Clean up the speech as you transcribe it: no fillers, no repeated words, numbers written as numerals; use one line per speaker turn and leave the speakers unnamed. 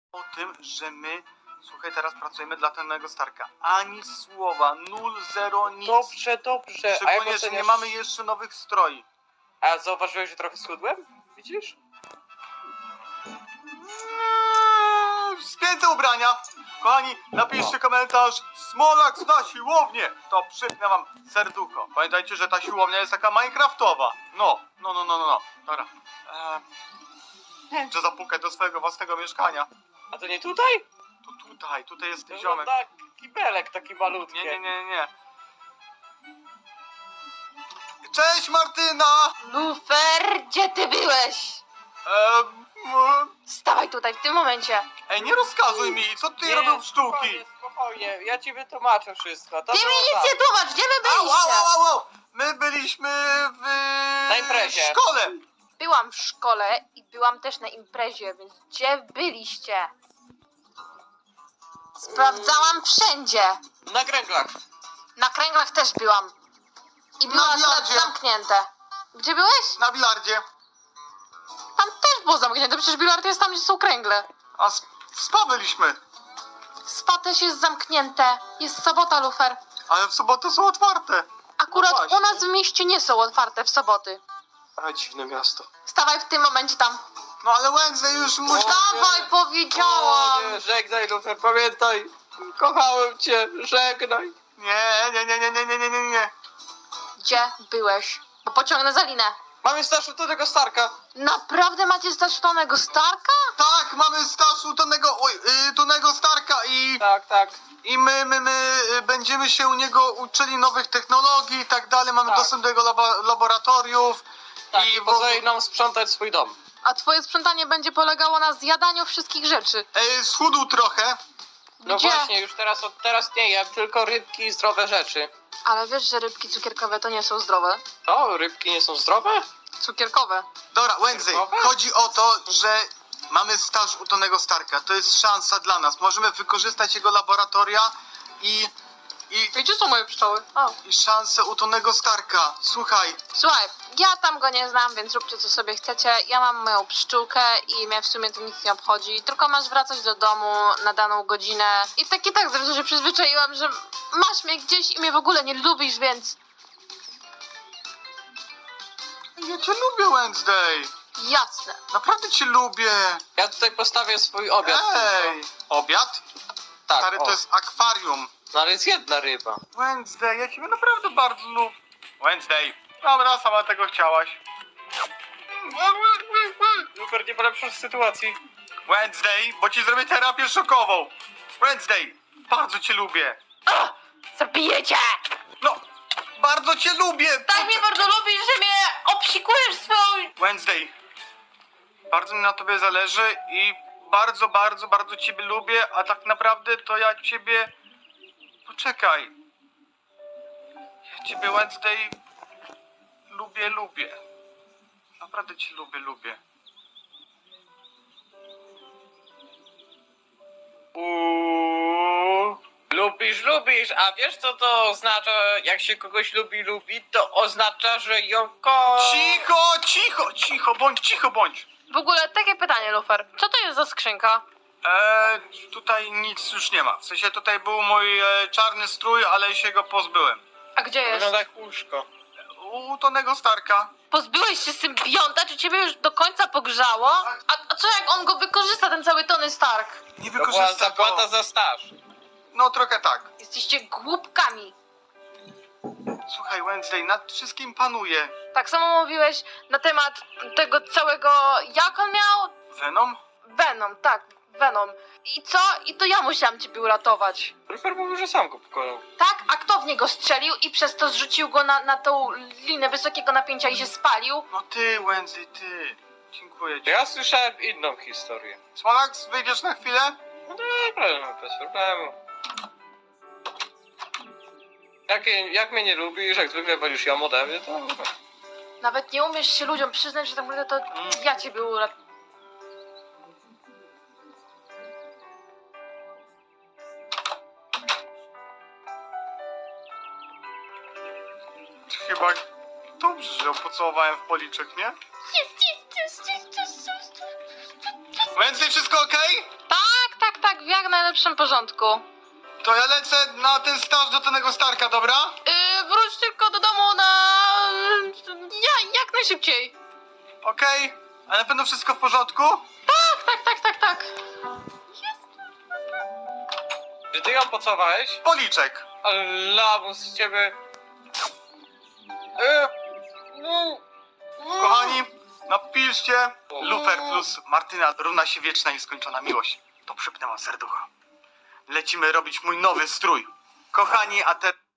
o tym, że my, słuchaj, teraz pracujemy dla Tonego Starka. Ani słowa, 0, 0, nic.
Dobrze, dobrze.
Szczególnie, że nie mamy jeszcze nowych stroi.
A zauważyłeś, że trochę schudłem? Widzisz?
Spięte ubrania. Kochani, napiszcie komentarz. Smolak zna siłownię. To przypnę wam serducho. Pamiętajcie, że ta siłownia jest taka minecraftowa. No. Dobra. Że zapukać do swojego własnego mieszkania.
A to nie tutaj?
To tutaj jest
To
ziomek.
wygląda kibelek taki malutki.
Nie. Cześć Martyna!
Lufer, gdzie ty byłeś? Stawaj tutaj, w tym momencie.
Ej, nie rozkazuj mi, co ty robił w sztuki?
Spokojnie, ja ci wytłumaczę wszystko. To
Ty mi
było
nic
tak.
nie tłumacz, gdzie wy byliście?
Au. My byliśmy w...
Na imprezie.
szkole.
Byłam w szkole i byłam też na imprezie, więc gdzie byliście? Sprawdzałam wszędzie.
Na kręglach.
Na kręglach też byłam. I było akurat
bilardzie.
zamknięte. Gdzie byłeś?
Na bilardzie.
Tam też było zamknięte, przecież bilard jest tam, gdzie są kręgle.
A w spa byliśmy.
Spa też jest zamknięte. Jest sobota, Lufer.
Ale w sobotę są otwarte.
Akurat
No właśnie.
u nas w mieście nie są otwarte w soboty.
A dziwne miasto.
Stawaj w tym momencie tam.
No ale Wednesday już musi...
Dawaj, powiedziałam!
O nie, żegnaj Lufer, pamiętaj. Kochałem cię, żegnaj.
Nie.
Gdzie byłeś? Bo pociągnę za linę.
Mamy starszy do tego Starka.
Naprawdę macie stasztonego Starka?
Tak, mamy staż u Tonego Starka
Tak.
i my będziemy się u niego uczyli nowych technologii i tak dalej. Mamy
Tak.
dostęp do jego laboratoriów.
Tak,
I
i pozwoli nam sprzątać swój dom.
A twoje sprzątanie będzie polegało na zjadaniu wszystkich rzeczy.
Schudł trochę.
No
Gdzie?
właśnie, już od teraz nie jem, tylko rybki i zdrowe rzeczy.
Ale wiesz, że rybki cukierkowe to nie są zdrowe?
O, rybki nie są zdrowe?
Cukierkowe.
Dobra, Wednesday,
Zdrowe?
chodzi o to, że mamy staż u Tonego Starka. To jest szansa dla nas. Możemy wykorzystać jego laboratoria i
Gdzie są moje pszczoły? O.
szansę u Tonego Starka. Słuchaj,
Słuchaj, ja tam go nie znam, więc róbcie co sobie chcecie. Ja mam moją pszczółkę i mnie w sumie to nic nie obchodzi. Tylko masz wracać do domu na daną godzinę. I tak zresztą się przyzwyczaiłam, że masz mnie gdzieś i mnie w ogóle nie lubisz, więc
ja cię lubię, Wednesday.
jasne.
Naprawdę cię lubię.
Ja tutaj postawię swój obiad.
Ej, obiad?
Tak,
Stary,
o.
to jest akwarium.
No ale jest jedna ryba.
Wednesday, ja ciebie naprawdę bardzo lubię. Wednesday. Dobra, sama tego chciałaś.
Super, nie polepszasz sytuacji.
Wednesday, bo ci zrobię terapię szokową. Wednesday, bardzo cię lubię.
Zabijecie!
No, bardzo cię lubię.
Tak mnie bardzo lubisz, że mnie obsikujesz swoją...
Wednesday, bardzo mi na tobie zależy i bardzo ciebie lubię, a tak naprawdę to ja ciebie... Poczekaj. Ja ciebie, Wednesday, lubię. Naprawdę cię lubię.
Lubisz, a wiesz co to oznacza, jak się kogoś lubi, to oznacza, że ją
Cicho bądź.
W ogóle takie pytanie, Lufer. Co to jest za skrzynka?
Tutaj nic już nie ma. W sensie tutaj był mój czarny strój, ale się go pozbyłem.
A gdzie jest?
Wygląda jak łóżko.
U Tonego Starka.
Pozbyłeś się symbionta? Czy ciebie już do końca pogrzało? A co jak on go wykorzysta, ten cały Tony Stark?
Nie
To była
wykorzysta
zapłata
go.
za staż.
No trochę tak.
Jesteście głupkami.
Słuchaj, Wednesday, nad wszystkim panuje.
Tak samo mówiłeś na temat tego całego... Jak on miał?
Venom?
Venom, tak, Venom. I co? I to ja musiałam ciebie uratować.
Lufer mówił, że sam go pokonał.
Tak? A kto w niego strzelił i przez to zrzucił go na tą linę wysokiego napięcia i się spalił?
No ty, Wednesday, ty. Dziękuję ci.
Ja słyszałem inną historię.
Smolax, wyjdziesz na chwilę?
No dobra, no bez problemu. Jak mnie nie lubisz, jak zwykle wolisz ją ode mnie, to...
Nawet nie umiesz się ludziom przyznać, że tak naprawdę to ja ciebie uratowałem.
Chyba dobrze, że ją pocałowałem w policzek, nie?
Jest.
Wednesday, wszystko okej?
Tak, najlepszym porządku.
To ja lecę na ten staż do tego Starka, dobra?
Wróć tylko do domu jak najszybciej.
Okej? A na pewno wszystko w porządku?
Tak.
Czy ty ją pocałowałeś?
Policzek.
Ale lamus z ciebie...
Kochani, napiszcie Lufer plus Martyna równa się wieczna nieskończona miłość. To przypnę wam serducha. Lecimy robić mój nowy strój. Kochani, a te...